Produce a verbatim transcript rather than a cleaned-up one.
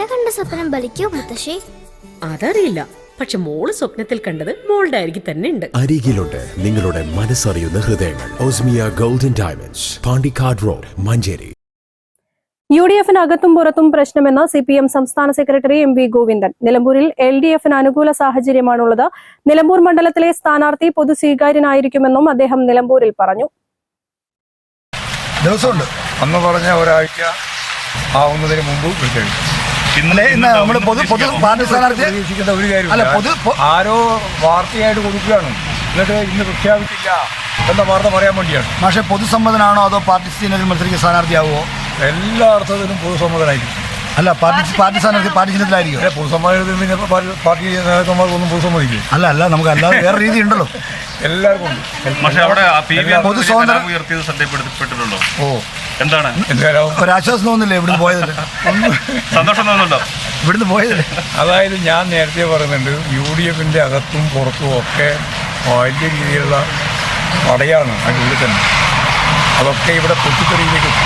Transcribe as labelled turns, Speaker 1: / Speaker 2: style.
Speaker 1: കണ്ട സ്വപ്നം ബലിക്കോ മുത്തശ്ശി?
Speaker 2: അതറിയില്ല, പക്ഷെ മോള് സ്വപ്നത്തിൽ കണ്ടത് മോളുടെ അരികിൽ തന്നെ ഉണ്ട്.
Speaker 3: അരികിലുണ്ട് നിങ്ങളുടെ മനസ്സറിയുന്ന ഹൃദയങ്ങൾ. ഓസ്മിയ golden diamonds, Pandikkad road, Manjeri.
Speaker 4: U D എഫിന് അകത്തും പുറത്തും പ്രശ്നമെന്ന് സി പി എം സംസ്ഥാന സെക്രട്ടറി എം വി ഗോവിന്ദൻ. നിലമ്പൂരിൽ എൽ ഡി എഫിന് അനുകൂല സാഹചര്യമാണുള്ളത്. നിലമ്പൂർ മണ്ഡലത്തിലെ സ്ഥാനാർത്ഥി പൊതു സ്വീകാര്യനായിരിക്കുമെന്നും അദ്ദേഹം നിലമ്പൂരിൽ പറഞ്ഞു.
Speaker 5: ദിവസമുണ്ട് അന്ന് പറഞ്ഞ ഒരാഴ്ച ആവുന്നതിന് മുമ്പ് വിളിച്ചെഴുതും. ഇന്നലെ ഇന്ന് നമ്മൾ പൊതു പൊതു പാർട്ടി സ്ഥാനാർത്ഥി പ്രതീക്ഷിക്കേണ്ട ഒരു കാര്യം അല്ല. പൊതു ആരോ വാർത്തയായിട്ട് കൊടുക്കുകയാണ്, എന്നിട്ട് ഇന്ന് പ്രഖ്യാപിച്ചില്ല എന്ന വാർത്ത പറയാൻ വേണ്ടിയാണ്. പക്ഷേ പൊതുസമ്മതനാണോ അതോ പാർട്ടി ചിഹ്നത്തിൽ മത്സരിക്കുന്ന സ്ഥാനാർത്ഥിയാവുമോ? എല്ലാ അർത്ഥത്തിലും പൊതുസമ്മതനായിരിക്കും. അല്ല, പാർട്ടി പാർട്ടി സ്ഥാനാർത്ഥി പാർട്ടി ചിഹ്നത്തിലായിരിക്കും. അല്ല, പൊതുസമ്മതത്തിൽ പിന്നെ പാർട്ടി നേതാക്കന്മാർക്കൊന്നും പൊതുസമ്മതിക്കും. അല്ല അല്ല നമുക്ക് അല്ലാതെ വേറെ രീതി ഉണ്ടല്ലോ, എല്ലാവർക്കും ഉണ്ട്. പൊതു സ്വാതന്ത്ര്യം ഉയർത്തിയത് ശ്രദ്ധപ്പെടുത്തിപ്പെട്ടിട്ടുണ്ടോ? ഓ, എന്താണ് ഒരാശ്വാസം തോന്നുന്നില്ലേ ഇവിടുന്ന് പോയതിൽ? സന്തോഷം തോന്നുന്നുണ്ടോ ഇവിടുന്ന് പോയതിൽ? അതായത് ഞാൻ നേരത്തെ പറയുന്നുണ്ട്, യു ഡി എഫിൻ്റെ അകത്തും പുറത്തും ഒക്കെ വലിയ രീതിയിലുള്ള പടയാണ് അതിൻ്റെ ഉള്ളിൽ തന്നെ. അതൊക്കെ ഇവിടെ പൊട്ടിത്തെറിയിലേക്ക്